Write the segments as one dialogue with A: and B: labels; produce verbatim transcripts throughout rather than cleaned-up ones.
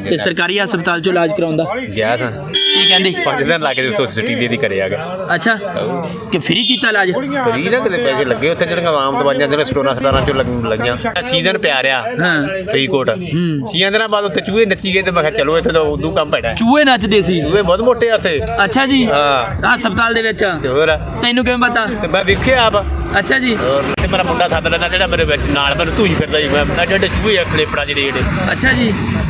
A: ਤੇ ਸਰਕਾਰੀ ਹਸਪਤਾਲ ਚੋਂ ਇਲਾਜ ਕਰਾਉਂਦਾ
B: ਗਿਆ ਤਾਂ
A: ਕੀ ਕਹਿੰਦੇ
B: ਪੰਜ ਦਿਨ ਲਾ ਕੇ ਉੱਥੋਂ ਛੁੱਟੀ ਦੇ ਦੀ ਕਰੇ ਆ ਗਿਆ।
A: ਅੱਛਾ ਕਿ ਫ੍ਰੀ ਕੀਤਾ ਇਲਾਜ
B: ਫਰੀ ਨਾ ਕਿਤੇ ਪੈਸੇ ਲੱਗੇ ਉੱਥੇ ਜਿਹੜੀਆਂ ਆਮ ਦਵਾਈਆਂ ਜਿਹੜੇ ਸਟੋਰਾਂ ਸਟਾਰਾਂ ਚੋਂ ਲੱਗ- ਲੱਗੀਆਂ ਸੀਜ਼ਨ ਪਿਆ ਰਿਹਾ
A: ਹਾਂ
B: ਫਰੀਦਕੋਟ ਛੀਆਂ ਦਿਨਾਂ ਬਾਅਦ ਉੱਥੇ ਚੂਹੇ ਨੱਚੀ ਗਏ ਤੇ ਮੈਂ ਕਿਹਾ ਚਲੋ ਇੱਥੇ ਤਾਂ ਉਦੋਂ ਕੰਮ ਪੈਣਾ
A: ਚੂਹੇ ਨੱਚਦੇ ਸੀ
B: ਚੂਹੇ ਬਹੁਤ ਮੋਟੇ ਆ ਉੱਥੇ।
A: ਅੱਛਾ ਜੀ
B: ਹਾਂ
A: ਹਸਪਤਾਲ ਦੇ ਵਿੱਚ
B: ਤੇ ਹੋਰ
A: ਤੈਨੂੰ ਕਿਵੇਂ ਪਤਾ
B: ਤੇ ਮੈਂ ਵੇਖਿਆ ਆਪ
A: ਅੱਛਾ ਜੀ
B: ਹੋਰ ਤੇ ਮੇਰਾ ਮੁੰਡਾ ਸੱਦ ਲੈਣਾ ਜਿਹੜਾ ਮੇਰੇ ਵਿੱਚ ਨਾਲ ਮੈਨੂੰ ਧੂਈ ਫਿਰਦਾ ਜੀ ਮੈਂ ਮੈਂ ਜਿਹੜੇ ਚੂਹੇ ਆ ਖਲੇਪੜਾ ਜਿਹੜੇ ਜਿਹੜੇ
A: ਅੱਛਾ ਜੀ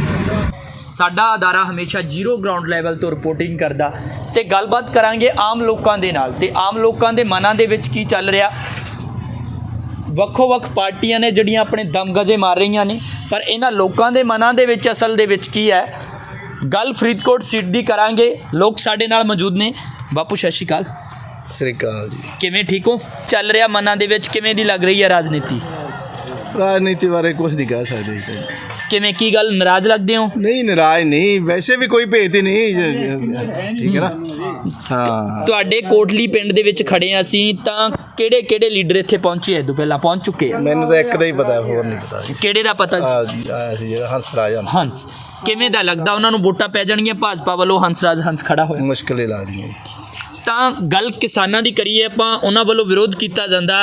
A: ਸਾਡਾ ਅਦਾਰਾ ਹਮੇਸ਼ਾ ਜ਼ੀਰੋ ਗਰਾਊਂਡ ਲੈਵਲ ਤੋਂ ਰਿਪੋਰਟਿੰਗ ਕਰਦਾ ਤੇ ਗੱਲਬਾਤ ਕਰਾਂਗੇ ਆਮ ਲੋਕਾਂ ਦੇ ਨਾਲ ਤੇ ਆਮ ਲੋਕਾਂ ਦੇ ਮਨਾਂ ਦੇ ਵਿੱਚ ਕੀ ਚੱਲ ਰਿਹਾ। ਵੱਖੋ ਵੱਖ ਪਾਰਟੀਆਂ ਨੇ ਜਿਹੜੀਆਂ ਆਪਣੇ ਦਮਗਜੇ ਮਾਰ ਰਹੀਆਂ ਨੇ ਪਰ ਇਹਨਾਂ ਲੋਕਾਂ ਦੇ ਮਨਾਂ ਦੇ ਵਿੱਚ ਅਸਲ ਦੇ ਵਿੱਚ ਕੀ ਹੈ। ਗੱਲ ਫਰੀਦਕੋਟ ਸੀਟ ਦੀ ਕਰਾਂਗੇ। ਲੋਕ ਸਾਡੇ ਨਾਲ ਮੌਜੂਦ ਨੇ। ਬਾਪੂ ਸਤਿ ਸ਼੍ਰੀ ਅਕਾਲ।
C: ਸਤਿ ਸ਼੍ਰੀ ਅਕਾਲ ਜੀ।
A: ਕਿਵੇਂ ਠੀਕ ਹੋ? ਚੱਲ ਰਿਹਾ ਮਨਾਂ ਦੇ ਵਿੱਚ ਕਿਵੇਂ ਦੀ ਲੱਗ ਰਹੀ ਹੈ ਰਾਜਨੀਤੀ?
C: ਰਾਜਨੀਤੀ ਬਾਰੇ ਕੁਝ ਨਹੀਂ ਕਹਿ ਸਕਦੇ ਜੀ।
A: ਕਿਵੇਂ ਕੀ ਗੱਲ ਨਾਰਾਜ਼ ਲੱਗਦੇ ਹੋ?
C: ਨਹੀਂ ਨਾਰਾਜ਼ ਨਹੀਂ, ਵੈਸੇ ਵੀ ਕੋਈ ਭੇਤ ਹੀ ਨਹੀਂ, ਠੀਕ ਹੈ ਨਾ। ਹਾਂ
A: ਤੁਹਾਡੇ ਕੋਟਲੀ ਪਿੰਡ ਦੇ ਵਿੱਚ ਖੜੇ ਹਾਂ ਅਸੀਂ ਤਾਂ ਕਿਹੜੇ ਕਿਹੜੇ ਲੀਡਰ ਇੱਥੇ ਪਹੁੰਚੇ ਇਹ ਤੋਂ ਪਹਿਲਾਂ ਪਹੁੰਚ ਚੁੱਕੇ ਆ?
C: ਮੈਨੂੰ ਤਾਂ ਇੱਕ ਦਾ ਹੀ ਪਤਾ, ਹੋਰ ਨਹੀਂ ਪਤਾ।
A: ਕਿਹੜੇ ਦਾ ਪਤਾ ਸੀ?
C: ਆ ਜੀ ਆਇਆ ਸੀ ਜਿਹੜਾ ਹੰਸ ਰਾਜ ਹੰਸ।
A: ਹੰਸ ਕਿਵੇਂ ਦਾ ਲੱਗਦਾ ਉਹਨਾਂ ਨੂੰ ਵੋਟਾਂ ਪੈ ਜਾਣਗੀਆਂ ਭਾਜਪਾ ਵੱਲੋਂ ਹੰਸਰਾਜ ਹੰਸ ਖੜਾ ਹੋਇਆ
C: ਮੁਸ਼ਕਿਲ ਹੀ ਲੱਗਦੀਆਂ ਜੀ।
A: ਤਾਂ ਗੱਲ ਕਿਸਾਨਾਂ ਦੀ ਕਰੀਏ ਆਪਾਂ ਉਹਨਾਂ ਵੱਲੋਂ ਵਿਰੋਧ ਕੀਤਾ ਜਾਂਦਾ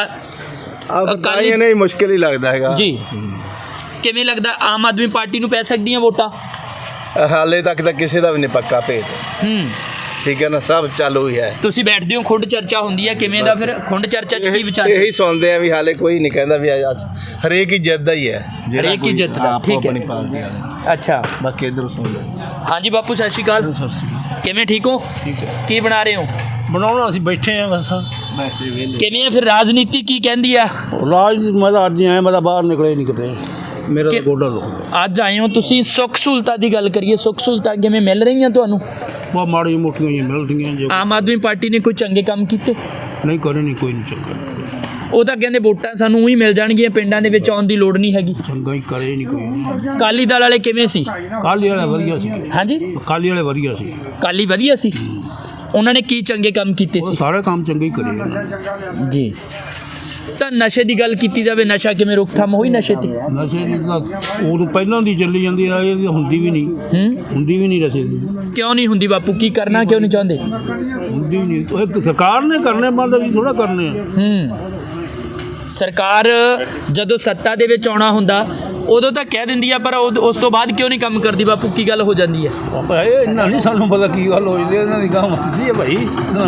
C: ਆ ਬਤਾਈਏ ਨਹੀਂ, ਮੁਸ਼ਕਿਲ ਹੀ ਲੱਗਦਾ ਹੈਗਾ
A: ਜੀ। ਕਿਵੇਂ ਲੱਗਦਾ ਆਮ ਆਦਮੀ ਪਾਰਟੀ ਨੂੰ ਪੈ ਸਕਦੀਆਂ ਵੋਟਾਂ?
C: ਹਾਲੇ ਤੱਕ ਤਾਂ ਕਿਸੇ ਦਾ ਵੀ ਨਹੀਂ ਪੱਕਾ ਭੇਤ,
A: ਹੂੰ
C: ਠੀਕ ਹੈ ਨਾ। ਸਭ ਚਾਲੂ ਹੀ ਹੈ।
A: ਤੁਸੀਂ ਬੈਠਦੇ ਹੋ ਖੁੰਡ ਚਰਚਾ ਹੁੰਦੀ ਹੈ ਕਿਵੇਂ ਦਾ ਫਿਰ ਖੁੰਡ ਚਰਚਾ 'ਚ ਕੀ ਵਿਚਾਰ?
C: ਇਹੀ ਸੁਣਦੇ ਆ ਵੀ ਹਾਲੇ ਕੋਈ ਨਹੀਂ ਕਹਿੰਦਾ ਵੀ ਅੱਜ ਹਰੇਕ ਹੀ ਜਿੱਤਦਾ ਹੀ ਹੈ। ਜਿਹੜਾ
A: ਹਰੇਕ ਹੀ
C: ਕੋਈ-
A: ਜਿੱਤਦਾ,
C: ਹਾਂ,
A: ਠੀਕ ਹੈ।
C: ਆਪਣੀ ਪਾਰਟੀ ਵਾਲੇ
A: ਅੱਛਾ
C: ਬਾਕੀ ਇੱਧਰੋਂ ਸੁਣਦੇ।
A: ਹਾਂਜੀ ਬਾਪੂ ਸਤਿ ਸ਼੍ਰੀ ਅਕਾਲ। ਕਿਵੇਂ ਠੀਕ ਹੋ?
C: ਠੀਕ ਹੈ।
A: ਕੀ ਬਣਾ ਰਹੇ ਹੋ?
D: ਬਣਾਉਣਾ ਅਸੀਂ ਬੈਠੇ ਆ ਬਸ।
C: ਬੈਠੇ ਵੇਲੇ
A: ਕਿਵੇਂ ਆ ਫਿਰ ਰਾਜਨੀਤੀ ਕੀ ਕਹਿੰਦੀ ਆ?
D: ਰਾਜ ਮੈਂ ਤਾਂ ਅੱਜ ਹੀ ਆਇਆ, ਮੈਂ ਤਾਂ ਬਾਹਰ ਨਿਕਲੇ ਨਹੀਂ ਕਿਤੇ, ਮੇਰਾ ਤਾਂ
A: ਕਿ-
D: ਗੋਡਾ ਦੁਖਦਾ।
A: ਅੱਜ ਆਏ ਹੋ ਤੁਸੀਂ। ਸੁੱਖ ਸਹੂਲਤਾਂ ਦੀ ਗੱਲ ਕਰੀਏ, ਸੁੱਖ ਸਹੂਲਤਾਂ ਕਿਵੇਂ ਮਿਲ ਰਹੀਆਂ ਤੁਹਾਨੂੰ?
D: ਬਹੁਤ ਮਾੜੀਆਂ ਮੋਟੀਆਂ ਹੀ ਮਿਲਦੀਆਂ ਜੇ
A: ਆਮ ਆਦਮੀ ਪਾਰਟੀ ਨੇ ਕੋਈ ਚੰਗੇ ਕੰਮ ਕੀਤੇ?
D: ਨਹੀਂ ਕਰੇ ਨਹੀਂ ਕੋਈ ਨਹੀਂ ਚੰਗਾ
A: ਉਹ ਤਾਂ ਕਹਿੰਦੇ ਵੋਟਾਂ ਸਾਨੂੰ ਹੀ ਮਿਲ ਜਾਣਗੀਆਂ, ਪਿੰਡਾਂ ਦੇ ਵਿੱਚ ਆਉਣ ਦੀ ਲੋੜ ਨਹੀਂ ਹੈਗੀ।
D: ਚੰਗਾ ਹੀ ਕਰੇ ਨਹੀਂ ਕੋਈ।
A: ਅਕਾਲੀ ਦਲ ਵਾਲੇ ਕਿਵੇਂ ਸੀ?
D: ਕਾਲੀ ਵਾਲੇ ਵਧੀਆ ਸੀ,
A: ਹਾਂਜੀ
D: ਕਾਲੀ ਵਾਲੇ ਵਧੀਆ ਸੀ,
A: ਅਕਾਲੀ ਵਧੀਆ ਸੀ। ਉਹਨਾਂ ਨੇ ਕੀ ਚੰਗੇ ਕੰਮ ਕੀਤੇ
D: ਉਹ
A: ਸੀ?
D: ਸਾਰੇ ਕੰਮ ਚੰਗੇ ਹੀ ਕਰੇ।
A: ਜੀ। ਤਾਂ ਨਸ਼ੇ ਦੀ ਗੱਲ ਕੀਤੀ ਜਾਵੇ, ਨਸ਼ਾ ਕਿਵੇਂ ਰੋਕਥਾਮ ਹੋਈ ਨਸ਼ੇ ਤੇ?
D: ਨਸ਼ੇ ਦੀ ਤਾਂ ਉਦੋਂ ਪਹਿਲਾਂ ਦੀ ਚੱਲੀ ਜਾਂਦੀ ਹੈ, ਇਹ ਹੁੰਦੀ ਵੀ ਨਹੀਂ,
A: ਹੂੰ
D: ਹੁੰਦੀ ਵੀ ਨਹੀਂ ਨਸ਼ੇ ਦੀ,
A: ਕਿਉਂ ਨਹੀਂ ਹੁੰਦੀ ਬਾਪੂ? ਕੀ ਕਰਨਾ ਕਿਉਂ ਨਹੀਂ ਚਾਹੁੰਦੇ?
D: ਹੁੰਦੀ ਵੀ ਨਹੀਂ। ਉਹ ਇੱਕ ਸਰਕਾਰ ਨੇ ਕਰਨੇ ਬੰਦ, ਅਸੀਂ ਥੋੜਾ ਕਰਨੇ ਆ।
A: ਹੂੰ ਸਰਕਾਰ ਜਦੋਂ ਸੱਤਾ ਦੇ ਵਿੱਚ ਆਉਣਾ ਹੁੰਦਾ ਉਦੋਂ ਤਾਂ ਕਹਿ ਦਿੰਦੀ ਆ, ਪਰ ਉਦ- ਉਸ ਤੋਂ ਬਾਅਦ ਕਿਉਂ ਨਹੀਂ ਕੰਮ ਕਰਦੀ ਬਾਪੂ? ਕੀ ਗੱਲ ਹੋ ਜਾਂਦੀ ਹੈ?
D: ਆਪਾਂ ਇਹ ਇੰਨਾ ਨਹੀਂ ਸਾਨੂੰ ਪਤਾ ਕੀ ਗੱਲ ਹੋਈ ਦੀ, ਇਹਨਾਂ ਦੀ ਕੰਮ ਹੁੰਦੀ ਹੈ ਭਾਈ।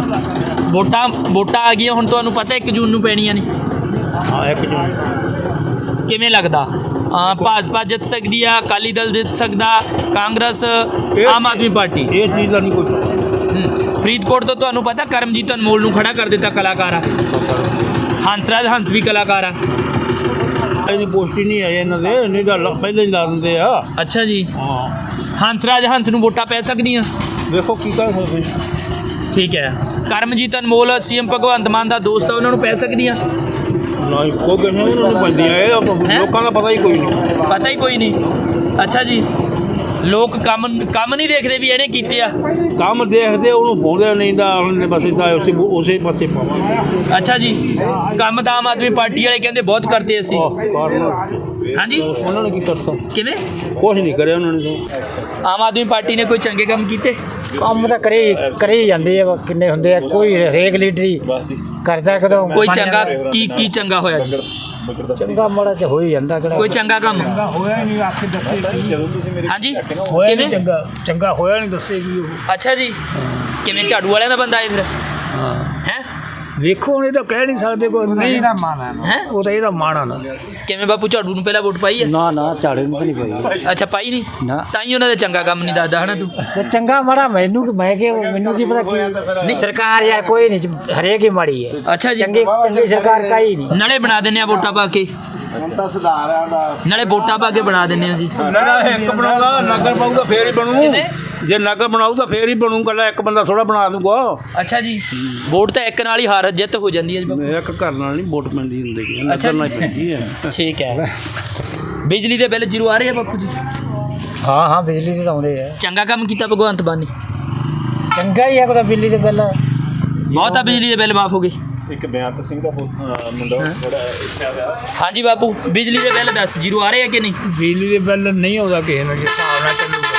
A: ਵੋਟਾਂ ਵੋਟਾਂ ਆ ਗਈਆਂ ਹੁਣ, ਤੁਹਾਨੂੰ ਪਤਾ ਇੱਕ ਜੂਨ ਨੂੰ ਪੈਣੀਆਂ ਨੇ।
D: ਹਾਂ ਇੱਕ ਜਣ
A: ਕਿਵੇਂ ਲੱਗਦਾ? ਆ ਭਾਜਪਾ ਜਿੱਤ ਸਕਦੀ ਆ, ਅਕਾਲੀ ਦਲ ਜਿੱਤ ਸਕਦਾ, ਕਾਂਗਰਸ, ਆਮ ਆਦਮੀ ਪਾਰਟੀ?
D: ਇਹ ਚੀਜ਼ ਦਾ ਨਹੀਂ ਕੋਈ ਪਤਾ।
A: ਹੂੰ। ਫਰੀਦਕੋਟ ਤੋਂ ਤੁਹਾਨੂੰ ਪਤਾ ਕਰਮਜੀਤ ਅਨਮੋਲ ਨੂੰ ਖੜਾ ਕਰ ਦਿੱਤਾ ਕਲਾਕਾਰ ਆ। ਹੰਸਰਾਜ ਹੰਸ ਵੀ ਕਲਾਕਾਰ ਆ।
D: ਇਹਦੀ ਪੋਸਟੀ ਨਹੀਂ ਆਈ ਇਹਨਾਂ ਦੇ, ਨਹੀਂ ਤਾਂ ਲਾ- ਪਹਿਲਾਂ ਹੀ ਲਾ ਦਿੰਦੇ ਆ।
A: ਅੱਛਾ ਜੀ।
D: ਹਾਂ
A: ਹੰਸਰਾਜ ਹੰਸ ਨੂੰ ਵੋਟਾਂ ਪੈ ਸਕਦੀਆਂ?
D: ਵੇਖੋ ਕੀ ਕਰ ਸਕਦੇ।
A: ਠੀਕ ਹੈ। ਕਰਮਜੀਤ ਅਨਮੋਲ ਸੀਐਮ ਭਗਵੰਤ ਮਾਨ ਦਾ ਦੋਸਤ ਆ, ਉਹਨਾਂ ਨੂੰ ਪੈ ਸਕਦੀਆਂ?
D: ਨਾ ਕੋਈ ਕਿਸੇ ਨੂੰ ਨਹੀਂ ਪੈਂਦੀਆਂ, ਇਹ ਤਾਂ ਲੋਕਾਂ ਦਾ ਪਤਾ ਹੀ ਕੋਈ ਨਹੀਂ।
A: ਪਤਾ ਹੀ ਕੋਈ ਨਹੀਂ। ਅੱਛਾ ਜੀ। ਲੋਕ ਕੰਮ ਕੰਮ ਨਹੀਂ ਦੇਖਦੇ ਵੀ ਇਹਨੇ ਕੀਤੇ ਆ?
D: ਕੰਮ ਦੇਖਦੇ ਉਹਨੂੰ ਪਾਉਂਦੇ ਨਹੀਂ ਤਾਂ ਉਹਨੇ ਪਾਸੇ ਤਾਂ ਉਸੇ ਉਸੇ ਪਾਸੇ ਪਾਵਾਂਗੇ।
A: ਅੱਛਾ ਜੀ। ਕੰਮ ਤਾਂ ਆਮ ਆਦਮੀ ਪਾਰਟੀ ਵਾਲੇ ਕਹਿੰਦੇ ਬਹੁਤ ਕਰਦੇ ਅਸੀਂ। ਹਾਂਜੀ
D: ਉਹਨਾਂ ਨੇ ਕੀ ਕਰਤਾ?
A: ਕਿਵੇਂ?
D: ਕੁਛ ਨਹੀਂ ਕਰਿਆ ਉਹਨਾਂ ਨੇ ਤਾਂ।
A: ਆਮ ਆਦਮੀ ਪਾਰਟੀ ਨੇ ਕੋਈ ਚੰਗੇ ਕੰਮ ਕੀਤੇ?
E: ਕੰਮ ਤਾਂ ਕਰੇ ਕਰੇ ਹੀ ਜਾਂਦੇ ਆ, ਕਿੰਨੇ ਹੁੰਦੇ ਆ, ਕੋਈ ਹਰੇਕ ਲੀਡਰੀ ਕਰਦਾ ਕਦੋਂ
A: ਕੋਈ ਚੰਗਾ ਕੀ ਕੀ ਚੰਗਾ ਹੋਇਆ ਜੀ?
E: ਚੰਗਾ ਮਾੜਾ ਚ ਹੋ ਹੀ ਜਾਂਦਾ ਕਿਹੜਾ
A: ਕੋਈ ਚੰਗਾ ਕੰਮ?
E: ਹੋਇਆ ਨਹੀਂ, ਆਖੇ ਦੱਸੇ
A: ਹਾਂਜੀ
E: ਹੋਇਆ
A: ਕਿਵੇਂ?
E: ਨਹੀਂ ਚੰਗਾ ਚੰਗਾ ਹੋਇਆ ਨਹੀਂ ਦੱਸੇਗੀ ਉਹ।
A: ਅੱਛਾ ਜੀ। ਕਿਵੇਂ ਝਾੜੂ ਵਾਲਿਆਂ ਦਾ ਬੰਦਾ ਹੈ ਫਿਰ?
E: ਹਾਂ
A: ਹੈ
E: ਵੇਖੋ ਹੁਣ ਇਹ ਤਾਂ ਕਹਿ ਨਹੀਂ ਸਕਦੇ ਕੋਈ ਨਹੀਂ ਨਾ ਮਾਣਾ
A: ਹੈ
E: ਉਹ ਤਾਂ ਇਹਦਾ ਮਾਣਾ ਨਾ
A: ਕਿਵੇਂ ਬਾਪੂ ਝਾੜੂ ਨੂੰ ਪਹਿਲਾਂ ਵੋਟ ਪਾਈ ਹੈ?
E: ਨਾ ਨਾ ਝਾੜੇ ਨੂੰ ਨਹੀਂ ਪਈ
A: ਅੱਛਾ ਪਾਈ ਨਹੀਂ?
E: ਨਾ।
A: ਤਾਂ ਹੀ ਉਹਨਾਂ ਦਾ ਚੰਗਾ ਕੰਮ ਨਹੀਂ ਦੱਸਦਾ ਹਨਾ ਤੂੰ?
E: ਤੇ ਚੰਗਾ ਮਾੜਾ ਮੈਨੂੰ ਮੈਂ ਕਿ ਮੈਨੂੰ ਕੀ ਪਤਾ ਕੀ ਨਹੀਂ ਸਰਕਾਰ ਯਾਰ ਕੋਈ ਨਹੀਂ, ਹਰੇਕ ਹੀ ਮਾੜੀ ਹੈ।
A: ਅੱਛਾ ਜੀ।
E: ਚੰਗੀ ਚੰਗੀ ਸਰਕਾਰ ਕਾਈ ਨਹੀਂ।
A: ਨਾਲੇ ਬਣਾ ਦਿੰਨੇ ਆ ਵੋਟਾਂ ਪਾ ਕੇ,
C: ਹੁਣ ਤਾਂ ਸੁਧਾਰਾਂ ਦਾ
A: ਨਾਲੇ ਵੋਟਾਂ ਪਾ ਕੇ ਬਣਾ ਦਿੰਨੇ ਆ ਜੀ।
D: ਨਾ ਨਾ ਇੱਕ ਬਣਾਉਂਦਾ ਨਗਰ ਪਾਊਗਾ ਫੇਰ ਹੀ ਬਣੂ।
A: ਕਿਵੇਂ?
D: ਜੇ ਨਗਰ ਬਣਾਊ ਤਾਂ ਫੇਰ ਹੀ ਬਣੂ, ਕੱਲਾ ਇੱਕ ਬੰਦਾ ਥੋੜਾ ਬਣਾ ਦੂਗਾ।
A: ਅੱਛਾ ਜੀ। ਵੋਟ ਤਾਂ ਇੱਕ ਨਾਲ ਹੀ ਹਾਰ ਜਿੱਤ ਹੋ ਜਾਂਦੀ ਹੈ ਜੀ ਬਾਪੂ।
D: ਇੱਕ ਘਰ ਨਾਲ ਨਹੀਂ ਵੋਟ ਪੈਂਦੀ ਹੁੰਦੀ ਹੈ,
A: ਅੱਛਾ
D: ਨਗਰ ਨਾਲ
A: ਜੀ।
D: ਪੈਂਦੀ ਹੈ।
A: ਠੀਕ ਹੈ। ਬਿਜਲੀ ਦੇ ਬਿੱਲ ਜ਼ੀਰੋ ਆ ਰਹੇ ਆ ਬਾਪੂ ਜੀ?
E: ਹਾਂ ਹਾਂ ਬਿਜਲੀ ਦੇ ਤਾਂ ਆਉਂਦੇ ਆ।
A: ਚੰਗਾ ਕੰਮ ਕੀਤਾ ਭਗਵੰਤ ਮਾਨ ਨੇ?
E: ਚੰਗਾ ਹੀ ਆ ਕੋਈ ਬਿਜਲੀ ਦੇ ਬਿੱਲ
A: ਬਹੁਤ ਆ ਬਿਜਲੀ ਦੇ ਬਿੱਲ ਮਾਫ ਹੋ ਗਏ।
F: ਇੱਕ ਬਿਆਨ ਸਿੰਘ ਦਾ ਮੁੰਡਾ ਥੋੜਾ ਇੱਥੇ ਆ ਗਿਆ।
A: ਹਾਂਜੀ ਬਾਪੂ ਬਿਜਲੀ ਦੇ ਬਿੱਲ ਦੱਸ ਜ਼ੀਰੋ ਆ ਰਹੇ ਆ ਕਿ ਨਹੀਂ?
E: ਬਿਜਲੀ ਦੇ ਬਿੱਲ ਨਹੀਂ ਆਉਂਦਾ ਕਿਸੇ ਨੂੰ, ਜਿਸ ਹਿਸਾਬ ਨਾਲ ਚੱਲੂਗਾ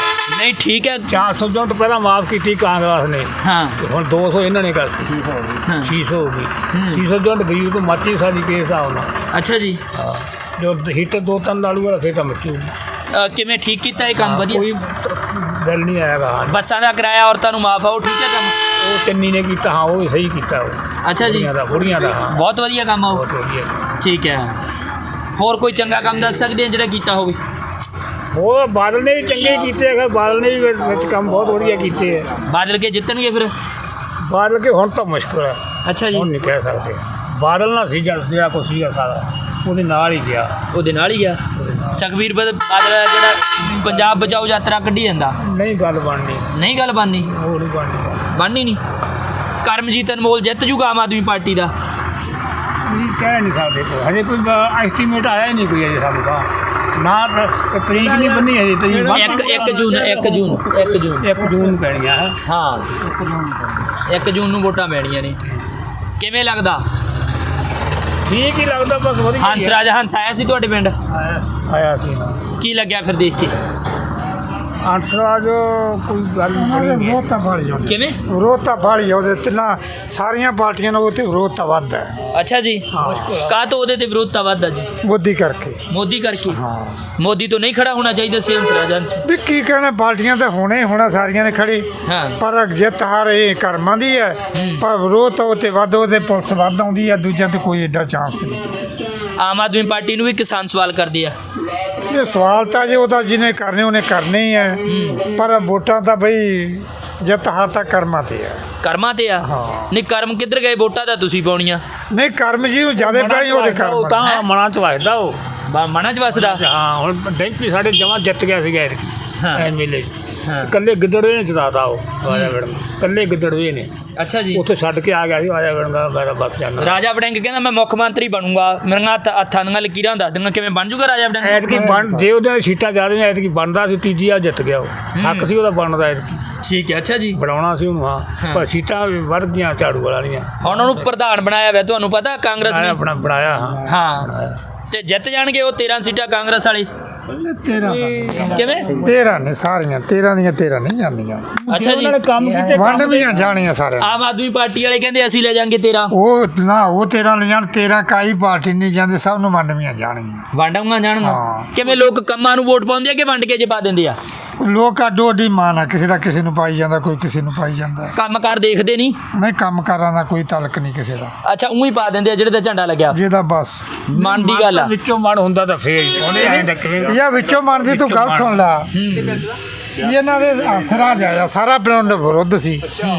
A: ਨਹੀਂ ਠੀਕ ਹੈ।
D: ਚਾਰ ਸੌ ਯੂਨਿਟ ਪਹਿਲਾਂ ਮਾਫ ਕੀਤੀ ਕਾਂਗਰਸ ਨੇ,
A: ਹਾਂ
D: ਤੇ ਹੁਣ ਦੋ ਸੌ ਇਹਨਾਂ ਨੇ ਕਰਤੀ,
A: ਹਾਂ।
D: ਛੇ ਸੌ ਹੋ ਗਈ। ਛੇ ਸੌ ਯੂਨਿਟ ਗਰੀਬ ਤੋਂ ਮੱਚੀ ਸਾਡੀ ਕੇ ਹਿਸਾਬ ਨਾਲ।
A: ਅੱਛਾ ਜੀ।
D: ਹਾਂ, ਜੋ ਹੀਟਰ ਦੋ ਤਿੰਨ ਲਾ ਲੂਗਾ ਫਿਰ ਤਾਂ ਮੱਚੂ।
A: ਅ, ਕਿਵੇਂ ਠੀਕ ਕੀਤਾ ਇਹ ਕੰਮ ਵਧੀਆ?
D: ਕੋਈ ਗੱਲ ਨਹੀਂ ਆਏਗਾ।
A: ਬੱਸਾਂ ਦਾ ਕਿਰਾਇਆ ਔਰਤਾਂ ਨੂੰ ਮਾਫ ਆ, ਉਹ ਠੀਕ ਹੈ ਕੰਮ?
D: ਉਹ ਚੰਨੀ ਨੇ ਕੀਤਾ, ਹਾਂ ਉਹ ਵੀ ਸਹੀ ਕੀਤਾ। ਉਹ
A: ਅੱਛਾ ਜੀ,
D: ਬੁੜੀਆਂ ਦਾ ਬੁੜੀਆਂ ਦਾ ਹਾਂ,
A: ਬਹੁਤ ਵਧੀਆ ਕੰਮ ਆ ਉਹ।
D: ਬਹੁਤ ਵਧੀਆ।
A: ਠੀਕ ਹੈ। ਹੋਰ ਕੋਈ ਚੰਗਾ ਕੰਮ ਦੱਸ ਸਕਦੇ ਆ ਜਿਹੜਾ ਕੀਤਾ ਹੋਵੇ?
D: ਹੋਰ ਬਾਦਲ ਨੇ ਵੀ ਚੰਗੇ ਕੀਤੇ ਹੈਗੇ, ਬਾਦਲ ਨੇ ਵੀ ਵਿੱਚ ਵਿੱਚ ਕੰਮ ਬਹੁਤ ਵਧੀਆ ਕੀਤੇ ਹੈ।
A: ਬਾਦਲ ਕੇ ਜਿੱਤਣਗੇ ਫਿਰ?
D: ਬਾਦਲ ਕੇ ਹੁਣ ਤਾਂ ਮੁਸ਼ਕਿਲ ਹੈ,
A: ਅੱਛਾ ਜੀ।
D: ਹੁਣ ਨਹੀਂ ਕਹਿ ਸਕਦੇ। ਬਾਦਲ ਨਾਲ ਸੀ ਜਦ ਜਿਹੜਾ ਕੁਛ ਸੀਗਾ ਸਾਰਾ ਉਹਦੇ ਨਾਲ ਹੀ ਗਿਆ।
A: ਉਹਦੇ ਨਾਲ ਹੀ ਆ। ਸੁਖਬੀਰ ਬਦ- ਬਾਦਲ ਜਿਹੜਾ ਪੰਜਾਬ ਬਚਾਓ ਯਾਤਰਾ ਕੱਢੀ ਜਾਂਦਾ,
D: ਨਹੀਂ ਗੱਲ ਬਣਨੀ,
A: ਨਹੀਂ ਗੱਲ ਬਣਨੀ,
D: ਉਹ ਨਹੀਂ ਬਣਨੀ।
A: ਬਣਨੀ ਨਹੀਂ। ਕਰਮਜੀਤ ਅਨਮੋਲ ਜਿੱਤ ਜੂਗਾ ਆਮ ਆਦਮੀ ਪਾਰਟੀ ਦਾ?
D: ਇਹ ਕਹਿ ਨਹੀਂ ਸਕਦੇ ਕੋਈ, ਹਜੇ ਕੋਈ ਐਸਟੀਮੇਟ ਆਇਆ ਹੀ ਨਹੀਂ ਕੋਈ ਅਜੇ ਸਾਨੂੰ ਤਾਂ ਨਾ। ਤ- ਤਰੀਕ ਨਹੀਂ ਬੰਨੀ ਹਜੇ, ਤਰੀਕ
A: ਇੱਕ ਇੱਕ ਜੂਨ ਇੱਕ ਜੂਨ ਇੱਕ ਜੂਨ
D: ਇੱਕ ਜੂਨ ਨੂੰ ਪੈਣੀਆਂ ਹੈ।
A: ਹਾਂ, ਇੱਕ ਜੂਨ ਨੂੰ ਵੋਟਾਂ ਪੈਣੀਆਂ ਨੇ। ਕਿਵੇਂ ਲੱਗਦਾ?
D: ਠੀਕ ਹੀ ਲੱਗਦਾ, ਬਸ ਵਧੀਆ ਹੀ
A: ਹੰਸ
D: ਹੈ।
A: ਰਾਜ ਹੰਸ ਆਇਆ ਸੀ ਤੁਹਾਡੇ ਪਿੰਡ?
D: ਆਇਆ ਆਇਆ ਸੀ ਨਾ
A: ਕੀ ਲੱਗਿਆ ਫਿਰ ਦੇਖ ਕੇ?
D: ਅੰਸਰਾਜ ਕੋਈ ਗੱਲ ਨਹੀਂ।
G: ਵਿਰੋਧਤਾ ਵਾਲੀ ਉਹਦੇ
A: ਕਿਵੇਂ?
G: ਵਿਰੋਧਤਾ ਵਾਲੀ ਉਹਦੇ ਤਿੰਨਾਂ ਸਾਰੀਆਂ ਪਾਰਟੀਆਂ ਨੂੰ ਉਹਤੇ ਵਿਰੋਧਤਾ ਵੱਧ ਹੈ
A: ਅੱਛਾ ਜੀ। ਕਾਹ ਤੋਂ ਉਹਦੇ ਤੇ ਵਿਰੋਧਤਾ ਵੱਧਦਾ ਜੀ?
G: ਮੋਦੀ ਕਰਕੇ।
A: ਮੋਦੀ ਕਰਕੇ? ਮੋਦੀ ਤੋਂ ਨਹੀਂ ਖੜਾ ਹੋਣਾ ਚਾਹੀਦਾ ਸੀ ਹੰਸ ਰਾਜ ਹੰਸ?
G: ਵੀ ਕੀ ਕਹਿਣਾ, ਪਾਰਟੀਆਂ ਤਾਂ ਹੋਣੇ ਹੋਣਾ ਸਾਰੀਆਂ ਨੇ ਖੜੀ,
A: ਹਾਂ।
G: ਪਰ ਜਿੱਤ ਹਾਰ ਇਹ ਕਰਮਾਂ ਦੀ ਹੈ। ਪਰ ਵਿਰੋਧ ਤਾਂ ਉਹਤੇ ਵੱਧ, ਉਹਦੇ ਪੁਲਿਸ ਵੱਧ ਆਉਂਦੀ ਹੈ, ਦੂਜਿਆਂ ਤੇ ਕੋਈ ਐਡਾ ਚਾਂਸ ਨਹੀਂ।
A: ਆਮ ਆਦਮੀ ਪਾਰਟੀ ਨੂੰ ਵੀ ਕਿਸਾਨ ਸਵਾਲ ਕਰਦੇ ਆ।
G: ਇਹ ਸਵਾਲ ਤਾਂ ਜੇ ਉਹਦਾ ਜਿਹਨੇ ਕਰਨੇ ਉਹਨੇ ਕਰਨੇ ਹੀ ਹੈ, ਪਰ ਵੋਟਾਂ ਤਾਂ ਬਈ ਜਿੱਤ ਹਾਰ ਤਾਂ ਕਰਮਾਂ ਤੇ ਹੈ।
A: ਕਰਮਾਂ ਤੇ ਆ? ਨਹੀਂ ਕਰਮ ਕਿੱਧਰ ਗਏ? ਵੋਟਾਂ ਤਾਂ ਤੁਸੀਂ ਪਾਉਣੀਆਂ।
G: ਨਹੀਂ ਕਰਮ ਜੀ ਨੂੰ ਜ਼ਿਆਦਾ ਪੈ ਉਹਦੇ
D: ਉਹ
G: ਕਰਮ।
D: ਤਾਂ ਮਨਾਂ ਚ ਵੱਜਦਾ ਉਹ।
A: ਬਾ- ਮਨਾਂ 'ਚ ਵਸਦਾ।
D: ਹਾਂ, ਹੁਣ ਡੈਂਪੀ ਸਾਡੇ ਜਮਾਂ ਜਿੱਤ ਗਿਆ ਸੀਗਾ
A: ਹਾਂ।
D: ਐਮਐਲਏ।
A: ਹਾਂ।
D: ਇਕੱਲੇ ਗਿੱਦੜਵੇ ਨੇ ਜਿਤਾਤਾ ਉਹ ਰਾਜਾ ਵੜਿੰਗ, ਇਕੱਲੇ ਗਿੱਦੜਵੇ ਨੇ।
A: ਅੱਛਾ ਜੀ।
D: ਉੱਥੇ ਛੱਡ ਕੇ ਆ ਗਿਆ ਸੀ ਰਾਜਾ ਵੜਿੰਗ, ਮੈਂ ਤਾਂ ਬਸ ਜਾਂਦਾ।
A: ਰਾਜਾ ਵੜਿੰਗ ਕਹਿੰਦਾ ਮੈਂ ਮੁੱਖ ਮੰਤਰੀ ਬਣੂੰਗਾ, ਮੇਰੀਆਂ ਹੱਥ ਹੱਥਾਂ ਦੀਆਂ ਲਕੀਰਾਂ ਦੱਸ ਦਿੰਗਾ। ਕਿਵੇਂ ਬਣ ਜੂਗਾ ਰਾਜਾ ਵੜਿੰਗ?
D: ਐਤਕੀ ਬਣ, ਜੇ ਉਹਦੇ ਸੀਟਾਂ ਜ਼ਿਆਦਾ ਨੇ ਐਤਕੀ ਬਣਦਾ ਸੀ, ਤੀਜੀ ਆ ਜਿੱਤ ਗਿਆ ਉਹ। ਹੱਕ ਸੀ ਉਹਦਾ ਬਣਦਾ ਐਤਕੀ,
A: ਠੀਕ ਹੈ। ਅੱਛਾ ਜੀ।
D: ਬਣਾਉਣਾ ਸੀ ਉਹਨੂੰ। ਹਾਂ, ਪਰ ਸੀਟਾਂ ਵੀ ਵੱਧ ਗਈਆਂ ਝਾੜੂ ਵਾਲਾ ਦੀਆਂ।
A: ਹੁਣ ਉਹਨੂੰ ਪ੍ਰਧਾਨ ਬਣਾਇਆ ਹੋਇਆ, ਤੁਹਾਨੂੰ ਪਤਾ ਕਾਂਗਰਸ ਨੇ?
D: ਆਪਣਾ ਬਣਾਇਆ। ਹਾਂ
A: ਹਾਂ, ਤੇ ਜਿੱਤ ਜਾਣਗੇ ਉਹ ਤੇਰਾਂ ਸੀਟਾਂ ਕਾਂਗਰਸ ਵਾਲੇ।
G: ਤੇਰਾਂ
A: ਕਿਵੇਂ?
G: ਤੇਰਾਂ ਨੇ ਸਾਰੀਆਂ, ਤੇਰਾਂ ਦੀਆਂ ਤੇਰਾਂ ਨਹੀਂ ਜਾਂਦੀਆਂ।
A: ਅੱਛਾ ਜੀ।
D: ਉਹਨਾਂ ਨੇ ਕੰਮ ਕੀਤੇ,
G: ਵੰਡ ਵੀ ਜਾਣੀਆਂ ਸਾਰਿਆਂ
A: ਆਮ ਆਦਮੀ ਪਾਰਟੀ ਵਾਲੇ ਕਹਿੰਦੇ ਅਸੀਂ ਲੈ ਜਾਾਂਗੇ ਤੇਰਾਂ।
G: ਉਹ ਨਾ ਉਹ ਤੇਰਾਂ ਲੈ ਜਾਣ, ਤੇਰਾਂ ਕਾਈ ਪਾਰਟੀ ਨਹੀਂ ਜਾਂਦੇ, ਸਭ ਨੂੰ ਵੰਡਵੀਆਂ ਜਾਣਗੀਆਂ।
A: ਵੰਡਾਂਗਾ ਜਾਣਗਾ।
G: ਹਾਂ।
A: ਕਿਵੇਂ ਲੋਕ ਕੰਮਾਂ ਨੂੰ ਵੋਟ ਪਾਉਂਦੇ ਆ ਕਿ ਵੰਡ ਕੇ ਜੇ ਪਾ ਦਿੰਦੇ ਆ?
G: ਲੋਕ ਅੱਡੋ ਅੱਡੀ ਮਾਨ ਆ, ਕਿਸੇ ਦਾ ਕਿਸੇ ਨੂੰ ਪਾਈ ਜਾਂਦਾ, ਕੋਈ ਕਿਸੇ ਨੂੰ ਪਾਈ ਜਾਂਦਾ।
A: ਕੰਮਕਾਰ ਦੇਖਦੇ ਨਹੀਂ?
G: ਨਹੀਂ ਕੰਮ ਕਾਰਾਂ ਦਾ ਕੋਈ ਤਾਲਕ ਨਹੀਂ ਕਿਸੇ ਦਾ,
A: ਅੱਛਾ, ਉਹੀ ਪਾ ਦਿੰਦੇ ਆ ਜਿਹੜੇ ਤੇ ਝੰਡਾ ਲੱਗਿਆ।
G: ਜਿਹਦਾ ਬਸ
A: ਮਨ ਦੀ ਗੱਲ ਆ।
D: ਵਿੱਚੋਂ ਮਨ ਹੁੰਦਾ ਤਾਂ ਫੇਰ ਹੀ। ਉਹਨੇ ਐਂ ਤਾਂ ਕਿਵੇਂ
G: ਇਹ ਵਿੱਚੋਂ ਮੰਨਦੀ, ਤੂੰ ਗੱਲ ਸੁਣ ਲਾ। ਇਹਨਾਂ ਦੇ ਹੰਸਰਾਜ ਆਇਆ, ਸਾਰਾ ਪਿੰਡ ਵਿਰੁੱਧ ਸੀ,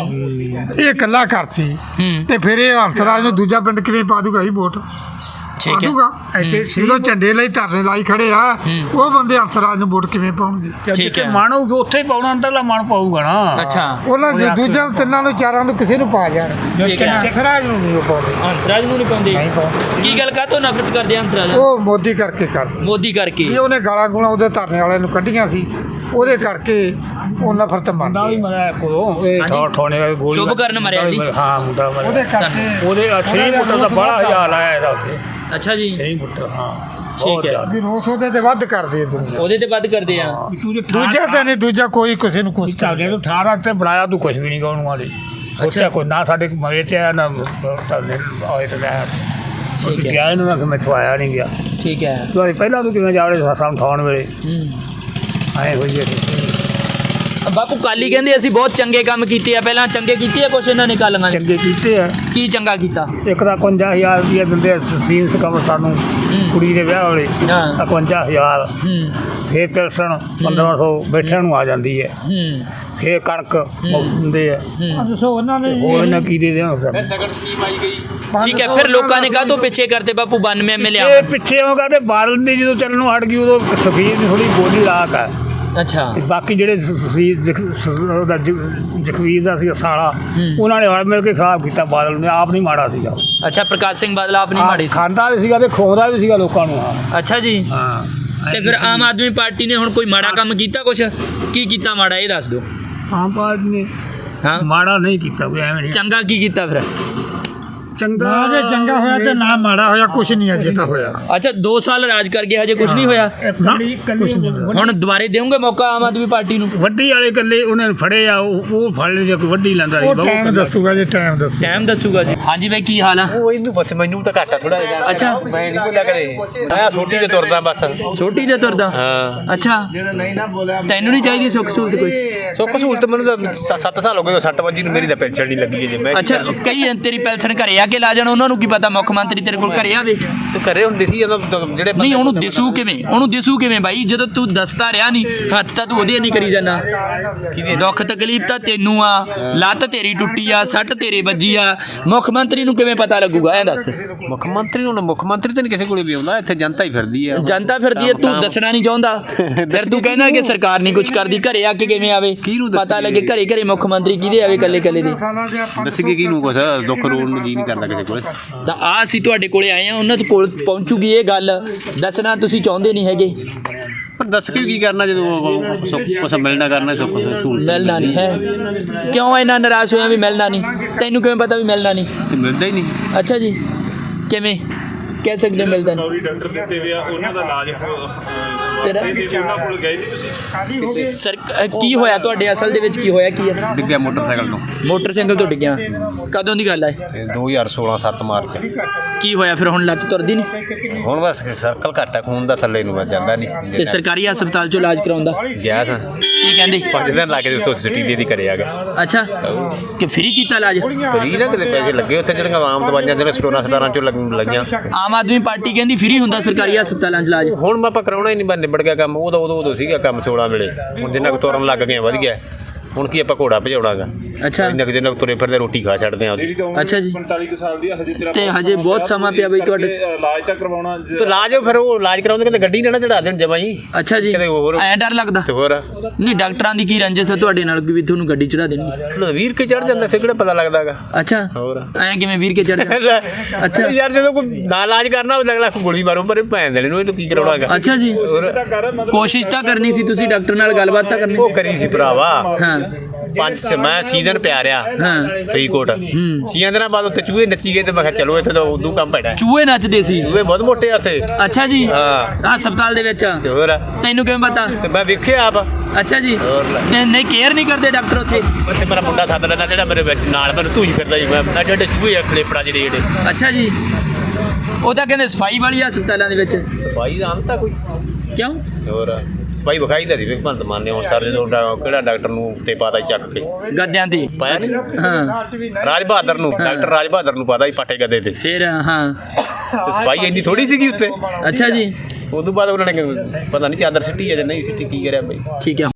G: ਇਹ ਇਕੱਲਾ ਘਰ ਸੀ,
A: ਹੂੰ।
G: ਤੇ ਫਿਰ ਇਹ ਹੰਸਰਾਜ ਨੂੰ ਦੂਜਾ ਪਿੰਡ ਕਿਵੇਂ ਪਾ ਦੂਗਾ? ਹੀ ਵੋਟ
A: ਠੀਕ ਹੈ।
G: ਪਾਦੂਗਾ। ਜਦੋਂ ਝੰਡੇ ਲਈ ਧਰਨੇ ਲਾਈ ਖੜੇ ਆ, ਉਹ ਬੰਦੇ ਹੰਸਰਾਜ ਨੂੰ ਵੋਟ ਕਿਵੇਂ ਪਾਉਣਗੇ?
A: ਠੀਕ ਹੈ।
D: ਮਨ ਉਹ ਉੱਥੇ ਹੀ ਪਾਉਣਾ, ਅੰਦਰਲਾ ਮਨ ਪਾਊਗਾ ਨਾ।
A: ਅੱਛਾ,
G: ਉਹਨਾਂ ਜੋ ਦੂਜਿਆਂ ਤਿੰਨਾਂ ਨੂੰ ਚਾਰਾਂ ਨੂੰ ਕਿਸੇ ਨੂੰ ਪਾ ਜਾਣ,
A: ਠੀਕ ਹੈ।
G: ਹੰਸਰਾਜ ਨੂੰ ਨਹੀਂ ਉਹ ਪਾਉਂਦੇ।
A: ਹੰਸਰਾਜ ਨੂੰ ਨਹੀਂ ਪਾਉਂਦੇ?
G: ਨਹੀਂ ਪਾਉਂਦੇ।
A: ਕੀ ਗੱਲ ਕਾਹਤੋਂ ਨਫ਼ਰਤ ਕਰਦੇ ਆ ਹੰਸਰਾਜ?
G: ਉਹ ਮੋਦੀ ਕਰਕੇ ਕਰਦੇ।
A: ਮੋਦੀ ਕਰਕੇ?
G: ਇਹ ਉਹਨੇ ਗਾਲਾਂ ਗੂਲਾਂ ਉਹਦੇ ਧਰਨੇ ਵਾਲਿਆਂ ਨੂੰ ਕੱਢੀਆਂ ਸੀ, ਉਹਦੇ ਕਰਕੇ ਉਹ ਨਫ਼ਰਤ
D: ਮੁੰਡਾ ਵੀ
G: ਮੰਨਦੇ।
D: ਮਰਿਆ ਕੋਲੋਂ, ਇਹ
A: ਹਾਂਜੀ।
D: ਠੋਣੇ ਦਾ ਗੋਲੀ।
A: ਸ਼ੁਭਕਰਨ ਮਰਿਆ ਸੀ?
D: ਹਾਂ, ਮੁੰਡਾ ਮਰਿਆ।
G: ਉਹਦੇ ਕਰਕੇ
D: ਉਹਦੇ ਸਹੀ ਪੁੱਟਰ ਦਾ ਬੜਾ ਹਜ਼ਾਰ ਆਇਆ ਇਹਦਾ ਉੱਥੇ।
A: ਅੱਛਾ ਜੀ।
D: ਸਹੀ ਪੁੱਟਰ, ਹਾਂ।
A: ਠੀਕ ਹੈ।
G: ਵੀ ਰੋਸ ਉਹਦੇ ਤੇ ਵੱਧ ਕਰਦੇ ਆ ਦੁਨੀਆ।
A: ਉਹਦੇ ਤੇ ਵੱਧ ਕਰਦੇ ਆ।
G: ਦੂਜਾ ਤਾਂ ਨਹੀਂ, ਦੂਜਾ ਕੋਈ ਕਿਸੇ ਨੂੰ ਕੁਛ
D: ਚੱਲਦੇ ਤੂੰ ਠਾਰਾ ਤੇ ਬਣਾਇਆ ਤੂੰ ਕੁਝ ਵੀ ਨਹੀਂ ਗਾਉਣ ਵਾਲੀ। ਸੋਚਿਆ ਕੋਈ ਨਾ ਸਾਡੇ ਮਰੇ ਤੇ ਆ ਨਾ ਧਰਨੇ ਆਏ ਤੇ ਗਿਆ।
A: ਠੀਕ ਹੈ।
D: ਗਿਆ ਇਹਨੂੰ ਨਾ ਕਿ ਮੈਥੋਂ ਆਇਆ ਨਹੀਂ ਗਿਆ।
A: ਠੀਕ ਹੈ।
D: ਤੂੰ ਪਹਿਲਾਂ ਤੂੰ ਕਿਵੇਂ ਜਾਵੜੇ ਸਾਨੂੰ ਠਾਉਣ ਵੇਲੇ
A: ਹੂੰ।
D: ਆਏ ਹੋਈ ਹੈ।
A: ਬਾਪੂ ਕਾਲੀ ਕਹਿੰਦੇ ਅਸੀਂ ਬਹੁਤ ਚੰਗੇ ਕੰਮ ਕੀਤੇ ਆ, ਪਹਿਲਾਂ ਚੰਗੇ ਕੀਤੇ ਆ ਕੁਛ ਇਹਨਾਂ ਨੇ ਕਾਲੀਆਂ ਨੇ?
D: ਚੰਗੇ ਕੀਤੇ ਆ।
A: ਕੀ ਚੰਗਾ ਕੀਤਾ?
D: ਇੱਕ ਤਾਂ ਇਕਵੰਜਾ ਹਜ਼ਾਰ ਰੁਪਈਆ ਦਿੰਦੇ ਆ ਸੀਨਸ ਕਵਰ ਸਾਨੂੰ, ਕੁੜੀ ਦੇ ਵਿਆਹ ਵੇਲੇ
A: ਹਾਂ।
D: ਇਕਵੰਜਾ ਹਜ਼ਾਰ।
A: ਹੂੰ
D: ਫੇਰ ਪੈਨਸ਼ਨ ਪੰਦਰਾਂ ਸੌ ਬੈਠਿਆਂ ਨੂੰ ਆ ਜਾਂਦੀ ਹੈ।
A: ਹੂੰ।
D: ਫੇਰ ਕਣਕ ਦਿੰਦੇ ਆ।
G: ਦੱਸੋ ਉਹਨਾਂ ਨੇ
D: ਹੋਰ ਇਹਨਾਂ ਕੀ ਦੇ ਦੇਣ ਸਾਨੂੰ?
A: ਠੀਕ ਹੈ। ਫਿਰ ਲੋਕਾਂ ਨੇ ਕਾਹਤੋਂ ਪਿੱਛੇ ਕਰਤੇ ਬਾਪੂ ਬਾਨਵੇਂ ਐਮਐਲਏ
D: ਇਹ ਪਿੱਛੇ ਉਹ ਕਰਦੇ ਬਾਦਲ ਦੀ ਜਦੋਂ ਚੱਲਣੋਂ ਹਟ ਗਈ ਉਦੋਂ ਸਫੀਰ ਦੀ ਥੋੜੀ ਬੋਲੀ ਲਾਕ ਆ।
A: ਅੱਛਾ।
D: ਤੇ ਬਾਕੀ ਜਿਹੜੇ ਸਫੀਰ ਉਹਦਾ ਜਖਵੀਰ ਦਾ ਸੀ ਸਾਲਾ, ਉਹਨਾਂ ਨੇ ਹਲ ਮਿਲ ਕੇ ਖਰਾਬ ਕੀਤਾ ਬਾਦਲ ਨੇ, ਆਪ ਨਹੀਂ ਮਾੜਾ ਸੀਗਾ।
A: ਅੱਛਾ, ਪ੍ਰਕਾਸ਼ ਸਿੰਘ ਬਾਦਲ ਆਪ ਨਹੀਂ ਮਾੜੀ ਸੀ?
D: ਖਾਂਦਾ ਵੀ ਸੀਗਾ ਤੇ ਖੋਦਾ ਵੀ ਸੀਗਾ ਲੋਕਾਂ ਨੂੰ। ਹਾਂ
A: ਅੱਛਾ ਜੀ।
D: ਹਾਂ।
A: ਤੇ ਫਿਰ ਆਮ ਆਦਮੀ ਪਾਰਟੀ ਨੇ ਹੁਣ ਕੋਈ ਮਾੜਾ ਕੰਮ ਕੀਤਾ ਕੁਛ? ਕੀ ਕੀਤਾ ਮਾੜਾ ਇਹ ਦੱਸ ਦਿਓ।
D: ਆਮ ਪਾਰਟੀ ਨੇ
A: ਹਾਂ,
D: ਮਾੜਾ ਨਹੀਂ ਕੀਤਾ ਕੋਈ, ਐਵੇਂ ਨਹੀਂ।
A: ਚੰਗਾ ਕੀ ਕੀਤਾ ਫਿਰ?
D: ਚੰਗਾ
G: ਨਾ ਜੇ ਚੰਗਾ ਹੋਇਆ ਤੇ ਨਾ ਮਾੜਾ ਹੋਇਆ, ਕੁਛ ਨਹੀਂ ਅਜੇ ਤਾਂ ਹੋਇਆ।
A: ਅੱਛਾ ਦੋ ਸਾਲ ਰਾਜ ਕਰ ਗਏ, ਹਜੇ ਕੁਝ ਨਹੀਂ ਹੋਇਆ।
D: ਕੱਲੀ ਕੱਲੀ
A: ਹੁਣ ਦੁਬਾਰੇ ਦੇਵੋਗੇ ਮੌਕਾ ਆਮ ਆਦਮੀ ਪਾਰਟੀ ਨੂੰ?
D: ਵੱਡੀ ਵਾਲੇ ਕੱਲੇ ਉਹਨਾਂ ਨੇ ਫੜੇ ਆ, ਉਹ ਉਹ ਫੜ ਲਏ ਜੇ ਕੋਈ ਵੱਡੀ ਲੈਂਦਾ ਸੀ
G: ਉਹ
D: ਬਹੁਤ
G: ਟਾਈਮ ਦੱਸੂਗਾ ਜੀ, ਟਾਈਮ ਦੱਸੂ।
A: ਟਾਈਮ ਦੱਸੂਗਾ ਜੀ। ਹਾਂਜੀ ਬਾਈ ਕੀ ਹਾਲ ਆ?
B: ਉਹ ਇਹਨੂੰ ਬਸ ਮੈਨੂੰ ਤਾਂ ਘਾਟਾ ਥੋੜਾ ਜਿਹਾ।
A: ਅੱਛਾ।
B: ਮੈਂ ਨਹੀਂ ਬੋਲਿਆ ਕਦੇ, ਮੈਂ ਛੋਟੀ ਤੇ ਤੁਰਦਾ ਬਸ।
A: ਛੋਟੀ ਦੇ ਤੁਰਦਾ?
B: ਹਾਂ।
A: ਅੱਛਾ ਤੈਨੂੰ ਨਹੀਂ ਚਾਹੀਦੀ ਸੁੱਖ ਸਹੂਲਤ ਕੋਈ?
B: ਸੁੱਖ ਸਹੂਲਤ ਮੈਨੂੰ ਤਾਂ ਸੱਤ ਸਾਲ ਹੋ ਗਏ, ਸੱਟ ਵੱਜੀ ਨੂੰ ਮੇਰੀ ਤਾਂ ਪੈਨਸ਼ਨ ਨਹੀਂ ਲੱਗੀ ਜੇ। ਮੈਂ
A: ਅੱਛਾ ਕਈ ਤੇਰੀ ਪੈਨਸ਼ਨ ਘਰੇ ਆ ਕੇ ਲਾ ਜਾਣ, ਉਹਨਾਂ ਨੂੰ ਕੀ ਪਤਾ ਮੁੱਖ ਮੰਤਰੀ ਤੇਰੇ ਕੋਲ ਘਰੇ ਆਵੇ?
B: ਤੇ ਘਰੇ ਹੁੰਦੀ ਸੀ ਜਦੋਂ ਜਿਹੜੇ
A: ਨਹੀਂ ਉਹਨੂੰ ਦਿਸੂ ਕਿਵੇਂ, ਉਹਨੂੰ ਦਿਸੂ ਕਿਵੇਂ ਬਾਈ ਜਦੋਂ ਤੂੰ ਦੱਸਦਾ ਰਿਹਾ ਨਹੀਂ, ਹੱਥ ਤਾਂ ਤੂੰ ਉਹਦੇ ਨਹੀਂ ਕਰੀ ਜਾਂਦਾ। ਦੁੱਖ ਤਕਲੀਫ ਤਾਂ ਤੈਨੂੰ ਆ, ਲੱਤ ਤੇਰੀ ਟੁੱਟੀ ਆ, ਸੱਟ ਤੇਰੇ ਵੱਜੀ ਆ, ਮੁੱਖ ਮੰਤਰੀ ਨੂੰ ਕਿਵੇਂ ਪਤਾ ਲੱਗੂਗਾ ਐਂ ਦੱਸ?
B: ਮੁੱਖ ਮੰਤਰੀ ਨੂੰ ਮੁੱਖ ਮੰਤਰੀ ਤਾਂ ਨਹੀਂ ਕਿਸੇ ਕੋਲੇ ਵੀ ਆਉਂਦਾ, ਇੱਥੇ ਜਨਤਾ ਹੀ ਫਿਰਦੀ ਆ।
A: ਜਨਤਾ ਫਿਰਦੀ ਹੈ, ਤੂੰ ਦੱਸਣਾ ਨਹੀਂ ਚਾਹੁੰਦਾ, ਫਿਰ ਤੂੰ ਕਹਿੰਦਾ ਕਿ ਸਰਕਾਰ ਨਹੀਂ ਕੁਝ ਕਰਦੀ, ਘਰੇ ਆ ਕੇ ਕਿਵੇਂ ਆਵੇ? ਪਤਾ ਲੱਗੇ ਘਰੇ ਘਰੇ ਮੁੱਖ ਮੰਤਰੀ ਕਿਹਦੇ ਆਵੇ, ਕੱਲੇ ਕੱਲੇ ਦੇ?
B: ਦੱਸਗੇ ਕਿਹਨੂੰ ਕੁਛ, ਦੁੱਖ ਰੋਣ ਨੂੰ ਜੀ ਨਹੀਂ ਕਰਦਾ ਕਿਸੇ ਕੋਲੇ।
A: ਤਾਂ ਆ ਅਸੀਂ ਤੁਹਾਡੇ ਕੋਲੇ ਆਏ ਆ, ਉਹਨਾਂ ਦੇ ਕੋਲ ਪਹੁੰਚੂਗੀ ਇਹ ਗੱਲ, ਦੱਸਣਾ ਤੁਸੀਂ ਚਾਹੁੰਦੇ ਨਹੀਂ ਹੈਗੇ।
B: ਪਰ ਦੱਸ ਕੇ ਕੀ ਕਰਨਾ ਜਦੋਂ ਸੁੱਖ ਕੁਛ ਮਿਲਣਾ ਕਰਨਾ, ਸੁੱਖ ਸਹੂਲਤ
A: ਮਿਲਣਾ ਨਹੀਂ ਹੈ। ਕਿਉਂ ਇੰਨਾ ਨਾਰਾਜ਼ ਹੋਇਆ ਵੀ ਮਿਲਣਾ ਨਹੀਂ? ਤੈਨੂੰ ਕਿਵੇਂ ਪਤਾ ਵੀ ਮਿਲਣਾ ਨਹੀਂ?
B: ਤੇ ਮਿਲਦਾ ਹੀ ਨਹੀਂ।
A: ਅੱਛਾ ਜੀ ਕਿਵੇਂ ਕਹਿ ਸਕਦੇ ਮਿਲਦਾ ਨਹੀਂ?
F: ਸਰਕਾਰੀ ਡਾਕਟਰ ਦਿੱਤੇ ਵੇ ਆ, ਉਹਨਾਂ ਦਾ ਇਲਾਜ
A: ਤੇਰਾ
F: ਉਹਨਾਂ ਕੋਲ ਗਏ ਨਹੀਂ ਤੁਸੀਂ?
A: ਸਰ ਕੀ ਹੋਇਆ ਤੁਹਾਡੇ, ਅਸਲ ਦੇ ਵਿੱਚ ਕੀ ਹੋਇਆ ਕੀ ਹੈ?
B: ਡਿੱਗਿਆ ਮੋਟਰਸਾਈਕਲ ਤੋਂ।
A: ਮੋਟਰਸਾਈਕਲ ਤੋਂ ਡਿੱਗਿਆ? ਕਦੋਂ ਦੀ ਗੱਲ ਹੈ?
B: ਤੇ ਦੋ ਹਜ਼ਾਰ ਸੋਲਾਂ ਸੱਤ ਮਾਰਚ।
A: ਕੀ ਹੋਇਆ ਫਿਰ? ਹੁਣ ਲੱਤ ਤੁਰਦੀ ਨਹੀਂ?
B: ਹੁਣ ਬਸ ਸਰਕਲ ਘੱਟ ਆ ਖੂਨ ਦਾ, ਥੱਲੇ ਨੂੰ ਮੈਂ ਜਾਂਦਾ ਨਹੀਂ।
A: ਤੇ ਸਰਕਾਰੀ ਹਸਪਤਾਲ ਚੋਂ ਇਲਾਜ ਕਰਾਉਂਦਾ?
B: ਗਿਆ ਤਾਂ
A: ਕੀ ਕਹਿੰਦੇ?
B: ਪੰਜ ਦਿਨ ਲਾ ਕੇ ਉਸ ਤੋਂ ਛੁੱਟੀ ਦੇ ਦੀ ਕਰੇ ਆ ਗਿਆ।
A: ਅੱਛਾ ਕਿ ਫ੍ਰੀ ਕੀਤਾ ਇਲਾਜ?
B: ਫਰੀ ਨਾ ਕਿਤੇ ਪੈਸੇ ਲੱਗੇ ਉੱਥੇ, ਜਿਹੜੀਆਂ ਆਮ ਦਵਾਈਆਂ ਜਿਹੜੇ ਸਟੋਰਾਂ ਸਟਾਰਾਂ ਚੋਂ ਲੱਗ ਲੱਗੀਆਂ।
A: ਆਮ ਆਦਮੀ ਪਾਰਟੀ ਕਹਿੰਦੀ ਫ੍ਰੀ ਹੁੰਦਾ ਸਰਕਾਰੀ ਹਸਪਤਾਲਾਂ 'ਚ ਇਲਾਜ।
B: ਹੁਣ ਆਪਾਂ ਕਰਾਉਣਾ ਹੀ ਨਹੀਂ, ਬਸ ਨਿਬੜ ਗਿਆ ਕੰਮ। ਉਦੋਂ ਉਦੋਂ ਉਦੋਂ ਸੀਗਾ ਕੰਮ ਸੋਲਾਂ ਵੇਲੇ, ਹੁਣ ਜਿੰਨਾ ਕੁ ਤੁਰਨ ਲੱਗ ਗਏ ਵਧ ਗਿਆ। ਹੁਣ ਕੀ ਆਪਾਂ ਘੋੜਾ ਭਜਾਉਣਾਗਾ?
A: ਅੱਛਾ
B: ਇੰਨਾ ਕੁ ਜਿੰਨਾ ਕੁ ਤੁਰੇ ਫਿਰਦੇ ਰੋਟੀ ਖਾ ਛੱਡਦੇ ਆ ਉਹਦੀ।
A: ਅੱਛਾ ਜੀ।
F: ਪੰਤਾਲੀ ਕੁ ਸਾਲ ਦੀ ਆ, ਹਜੇ ਤੇਰਾ
A: ਤੇ ਹਜੇ ਬਹੁਤ ਸਮਾਂ ਪਿਆ ਬਈ ਤੁਹਾਡੇ।
F: ਇਲਾਜ ਤਾਂ ਕਰਵਾਉਣਾ।
B: ਤੇ ਇਲਾਜ ਫਿਰ ਉਹ ਇਲਾਜ ਕਰਾਉਂਦੇ ਕਹਿੰਦੇ ਗੱਡੀ ਨਾ ਨਾ ਚੜਾ ਦੇਣ ਜਮਾ ਜੀ।
A: ਅੱਛਾ ਜੀ
B: ਕਿਤੇ ਹੋਰ
A: ਐਂ ਡਰ ਲੱਗਦਾ?
B: ਤੇ ਹੋਰ
A: ਨਹੀਂ ਡਾਕਟਰਾਂ ਦੀ ਕੀ ਰੰਜਿਸ਼ ਹੈ ਤੁਹਾਡੇ ਨਾਲ ਕਿ ਵੀ ਤੁਹਾਨੂੰ ਗੱਡੀ ਚੜਾ ਦੇਣਗੇ?
B: ਵੀਰ ਕੇ ਚੜ ਜਾਂਦਾ, ਫਿਰ ਕਿਹੜਾ ਪਤਾ ਲੱਗਦਾਗਾ।
A: ਅੱਛਾ
B: ਹੋਰ
A: ਐਂ ਕਿਵੇਂ ਵੀਰ ਕੇ ਚੜ ਜਾਂਦਾ?
B: ਅੱਛਾ ਯਾਰ ਜਦੋਂ ਕੋਈ ਨਾ ਇਲਾਜ ਕਰਨਾ ਹੋਵੇ ਅਗਲਾ ਗੋਲੀ ਮਾਰੋ ਪਰ ਭੈਣ ਦੇਣੇ ਨੂੰ, ਇਹਨੂੰ ਕੀ ਕਰਾਉਣਾਗਾ?
A: ਅੱਛਾ ਜੀ ਕੋਸ਼ਿਸ਼ ਤਾਂ ਕਰਨੀ ਸੀ ਤੁਸੀਂ, ਡਾਕਟਰ ਨਾਲ ਗੱਲਬਾਤ ਤਾਂ ਕਰਨੀ
B: ਉਹ ਕਰੀ ਸੀ ਭਰਾਵਾ।
A: ਹਾਂ
B: ਪੰਜ ਮੈਂ ਸੀਜ਼ਨ ਪਿਆ ਰਿਹਾ
A: ਹਾਂ
B: ਫਰੀਦਕੋਟ। ਛੀਆਂ ਦਿਨਾਂ ਬਾਅਦ ਉੱਥੇ ਚੂਹੇ ਨੱਚੀ ਗਏ ਤੇ ਮੈਂ ਕਿਹਾ ਚਲੋ ਇੱਥੇ ਤਾਂ ਉਦੋਂ ਕੰਮ ਪੈਣਾ।
A: ਚੂਹੇ ਨੱਚਦੇ ਸੀ?
B: ਚੂਹੇ ਬਹੁਤ ਮੋਟੇ ਆ ਉੱਥੇ।
A: ਅੱਛਾ ਜੀ
B: ਹਾਂ
A: ਹਸਪਤਾਲ ਦੇ ਵਿੱਚ?
B: ਤੇ ਹੋਰ
A: ਤੈਨੂੰ ਕਿਵੇਂ ਪਤਾ?
B: ਤੇ ਮੈਂ ਵੇਖਿਆ ਆਪ।
A: ਅੱਛਾ ਜੀ
B: ਹੋਰ ਲੈ।
A: ਨਹੀਂ ਨਹੀਂ ਕੇਅਰ ਨਹੀਂ ਕਰਦੇ ਡਾਕਟਰ ਉੱਥੇ?
B: ਉੱਥੇ ਮੇਰਾ ਮੁੰਡਾ ਸੱਦ ਲੈਣਾ ਜਿਹੜਾ ਮੇਰੇ ਵਿੱਚ ਨਾਲ ਮੈਨੂੰ ਧੂਈ ਫਿਰਦਾ ਜੀ। ਮੈਂ ਐਡੇ ਐਡੇ ਚੂਹੇ ਆ ਖਲੇਪੜਾ ਜਿਹੜੇ ਜਿਹੜੇ।
A: ਅੱਛਾ ਜੀ ਉਹ ਤਾਂ ਕਹਿੰਦੇ ਸਫਾਈ ਵਾਲੀ ਹਸਪਤਾਲਾਂ ਦੇ ਵਿੱਚ?
B: ਸਫਾਈ ਦਾ ਅੰਤ ਆ ਕੋਈ?
A: ਕਿਉਂ?
B: ਹੋਰ ਸਫਾਈ ਵਿਖਾਈ ਦਾ ਸੀ ਵੀ ਭੰਤ ਮਾਨੇ। ਹੁਣ ਸਰ ਜਦੋਂ ਡਾ- ਕਿਹੜਾ ਡਾਕਟਰ ਨੂੰ ਤੇ ਪਾਤਾ ਚੱਕ ਕੇ
A: ਗੱਦਿਆਂ ਤੇ?
B: ਪਾਇਆ ਨਹੀਂ
A: ਹਾਂ
B: ਰਾਜ ਬਹਾਦਰ ਨੂੰ, ਡਾਕਟਰ ਰਾਜ ਬਹਾਦਰ ਨੂੰ ਪਾਤਾ ਹੀ ਪਾਟੇ ਗੱਦੇ ਤੇ।
A: ਫਿਰ ਹਾਂ
B: ਤੇ ਸਫਾਈ ਇੰਨੀ ਥੋੜੀ ਸੀਗੀ ਉੱਥੇ।
A: ਅੱਛਾ ਜੀ
B: ਉਦੋਂ ਬਾਅਦ ਉਹਨਾਂ ਨੇ ਪਤਾ ਨਹੀਂ ਚਾਦਰ ਸਿੱਟੀ ਆ ਜਾਂ ਨਹੀਂ ਸਿੱਟੀ, ਕੀ ਕਰਿਆ ਬਈ।
A: ਠੀਕ ਹੈ।